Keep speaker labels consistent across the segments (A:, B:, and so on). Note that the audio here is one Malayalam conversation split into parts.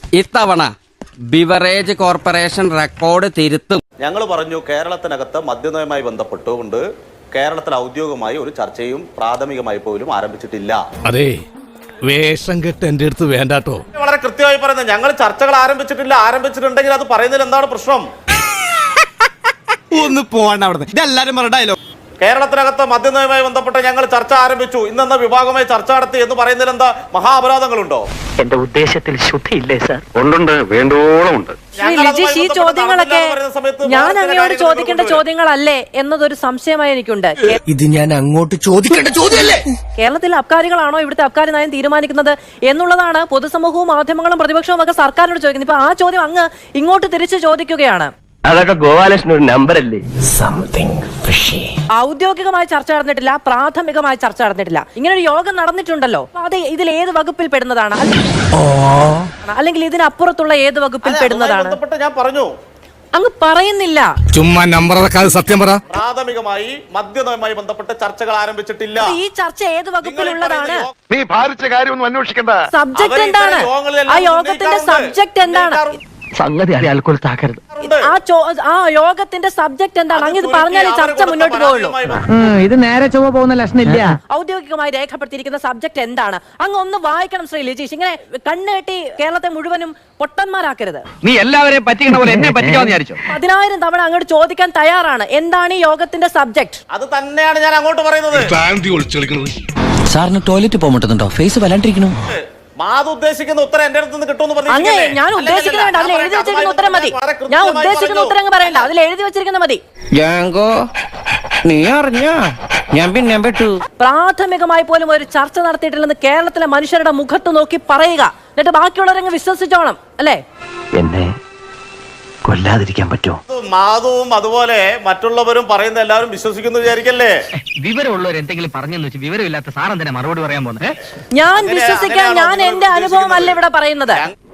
A: ഇത്തവണ ബിവറേജ് കോർപ്പറേഷൻ റെക്കോർഡ് തിരുത്തും.
B: ഞങ്ങൾ പറഞ്ഞു കേരളത്തിനകത്ത് മദ്യനയവുമായി ബന്ധപ്പെട്ടുകൊണ്ട് കേരളത്തിൽ ഔദ്യോഗികമായി ഒരു ചർച്ചയും പ്രാഥമികമായി പോലും ആരംഭിച്ചിട്ടില്ല.
C: അതെ, വേഷം കെട്ട് എന്റെ അടുത്ത് വേണ്ടാട്ടോ.
B: വളരെ കൃത്യമായി പറയുന്നത് ഞങ്ങൾ ചർച്ചകൾ ആരംഭിച്ചിട്ടില്ല. ആരംഭിച്ചിട്ടുണ്ടെങ്കിൽ അത് പറയുന്നതിൽ എന്താണ് പ്രശ്നം?
D: ഒന്ന് പോകണ്ട അവിടെ. ഇതെല്ലാരും ഡയലോഗ്.
B: കേരളത്തിനകത്ത് മദ്യനയവുമായി ബന്ധപ്പെട്ട് ഞങ്ങൾ ചർച്ച ആരംഭിച്ചു, ഇന്നെന്ന വിഭാഗമായി ചർച്ച നടത്തി എന്ന് പറയുന്നതിൽ എന്താ മഹാ അപരാധങ്ങളുണ്ടോ?
E: എന്റെ ഉദ്ദേശത്തിൽ ശുദ്ധിയില്ലേ സാർ? ഉണ്ട്, വേണ്ടോളം ഉണ്ട്.
F: ഈ ചോദ്യങ്ങളൊക്കെ ഞാൻ അങ്ങയോട് ചോദിക്കേണ്ട ചോദ്യങ്ങളല്ലേ എന്നതൊരു സംശയമായി എനിക്കുണ്ട്.
D: ഇത് ഞാൻ അങ്ങോട്ട് ചോദിക്കേണ്ട ചോദ്യമല്ലേ?
F: കേരളത്തിലെ അബ്കാരികളാണോ ഇവിടുത്തെ അബ്കാരി നയം തീരുമാനിക്കുന്നത് എന്നുള്ളതാണ് പൊതുസമൂഹവും മാധ്യമങ്ങളും പ്രതിപക്ഷവും ഒക്കെ സർക്കാരിനോട് ചോദിക്കുന്നത്. ഇപ്പൊ ആ ചോദ്യം അങ്ങ് ഇങ്ങോട്ട് തിരിച്ചു ചോദിക്കുകയാണ്.
E: അതൊക്കെ ഗോപാലകൃഷ്ണൻ ഒരു നമ്പറല്ലേ?
F: ഔദ്യോഗികമായി ചർച്ച നടന്നിട്ടില്ല, പ്രാഥമികമായി ചർച്ച നടന്നിട്ടില്ല. ഇങ്ങനെ ഒരു യോഗം നടന്നിട്ടുണ്ടല്ലോ. അത് ഇതിൽ ഏത് വകുപ്പിൽ പെടുന്നതാണ്? അല്ലെങ്കിൽ ഇതിനപ്പുറത്തുള്ള ഏത് വകുപ്പിൽ പെടുന്നതാണ്?
B: ഞാൻ പറഞ്ഞു,
F: അങ്ങ് പറയുന്നില്ല.
C: ചുമ്മാ നമ്പർ സത്യം പറ.
B: പ്രാഥമികമായി മദ്യനയവുമായി ബന്ധപ്പെട്ട് ചർച്ചകൾ ആരംഭിച്ചിട്ടില്ല.
F: ഈ ചർച്ച ഏത് വകുപ്പിലുള്ളതാണ്?
G: നീ ഭാരിച്ച കാര്യമൊന്നും അന്വേഷിക്കണ്ട.
F: സബ്ജക്ട് എന്താണ്? ആ യോഗത്തിന്റെ സബ്ജക്ട് എന്താണ്?
E: സംഗതി അയാൾക്കൊൽ താക്കരുത്.
F: ആ യോഗത്തിന്റെ സബ്ജക്ട് എന്താണ്? അങ്ങ് ഇത് പറഞ്ഞാൽ ചർച്ച മുന്നോട്ട് പോകുള്ളൂ.
E: ഇത് നേരെ ചൊവ്വ പോകുന്ന ലക്ഷണില്ല.
F: ഔദ്യോഗികമായി രേഖപ്പെടുത്തിയിരിക്കുന്ന സബ്ജക്ട് എന്താണ്? അങ്ങ് ഒന്ന് വായിക്കണം ശ്രീ ലിജീഷ്. ഇങ്ങനെ കണ്ണുകെട്ടി കേരളത്തെ മുഴുവനും പൊട്ടന്മാരാക്കരുത്.
E: നീ എല്ലാവരെയും പറ്റിക്കണ പോലെ എന്നെ പറ്റിക്കാന്ന് വിചാരിച്ചോ?
F: 10,000 തവണ അങ്ങോട്ട് ചോദിക്കാൻ തയ്യാറാണ്. എന്താണ് ഈ യോഗത്തിന്റെ സബ്ജക്ട്?
B: അത് തന്നെയാണ് ഞാൻ അങ്ങോട്ട് പറയുന്നത്.
D: സാറിന് ടോയ്ലറ്റ് പോകുന്നുണ്ടോ? ഫേസ് വല്ലാണ്ടിരിക്കണു.
B: മാത് ഉദ്ദേശിക്കുന്ന ഉത്തരം എന്റെ അടുത്ത് നിന്ന് കിട്ടുമെന്ന്
F: അങ്ങ് ഞാൻ ഉദ്ദേശിക്കുന്ന വേണ്ട, അതിൽ എഴുതി വെച്ചിരിക്കുന്ന ഉത്തരം മതി. ഞാൻ ഉദ്ദേശിക്കുന്ന ഉത്തരം അങ്ങ് പറയണ്ട, അതിൽ എഴുതി വെച്ചിരിക്കുന്ന മതി.
D: നീ അറിഞ്ഞ ഞാൻ പിന്നെ പെട്ടു.
F: പ്രാഥമികമായി പോലും ഒരു ചർച്ച നടത്തിയിട്ടില്ലെന്ന് കേരളത്തിലെ മനുഷ്യരുടെ മുഖത്ത് നോക്കി പറയുക. എന്നിട്ട് ബാക്കിയുള്ളവരങ്ങ് വിശ്വസിച്ചോണം അല്ലേ?
E: എന്നെ കൊല്ലാതിരിക്കാൻ പറ്റുമോ?
B: മാധവും അതുപോലെ മറ്റുള്ളവരും പറയുന്ന എല്ലാവരും വിശ്വസിക്കുന്നു വിചാരിക്കല്ലേ?
E: വിവരമുള്ളവർ എന്തെങ്കിലും പറഞ്ഞെന്ന് വെച്ച് വിവരമില്ലാത്ത സാറൻ തന്നെ മറുപടി പറയാൻ പോകുന്നത്.
F: ഞാൻ വിശ്വസിക്കാൻ, ഞാൻ എന്റെ അനുഭവം അല്ല ഇവിടെ പറയുന്നത്.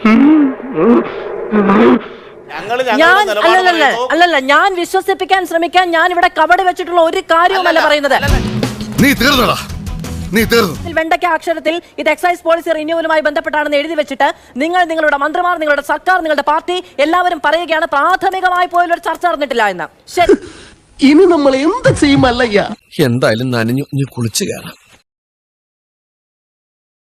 F: അല്ലല്ല, ഞാൻ വിശ്വസിപ്പിക്കാൻ ശ്രമിക്കാൻ ഞാൻ ഇവിടെ കവടി വെച്ചിട്ടുള്ള ഒരു കാര്യവുമല്ല പറയുന്നത്.
G: നീ തീർന്നടാ, നീ തീർന്നു.
F: വെണ്ടയ്ക്ക അക്ഷരത്തിൽ ഇത് എക്സൈസ് പോളിസി റിന്യൂവലുമായി ബന്ധപ്പെട്ടാണെന്ന് എഴുതി വെച്ചിട്ട് നിങ്ങൾ, നിങ്ങളുടെ മന്ത്രിമാർ, നിങ്ങളുടെ സർക്കാർ, നിങ്ങളുടെ പാർട്ടി എല്ലാവരും പറയുകയാണ് പ്രാഥമികമായി പോലും ഒരു ചർച്ച നടന്നിട്ടില്ല എന്ന്. ശരി,
D: ഇനി നമ്മൾ എന്ത് ചെയ്യുമല്ലയ്യ? എന്തായാലും നനഞ്ഞു കുളിച്ചു കയറാം.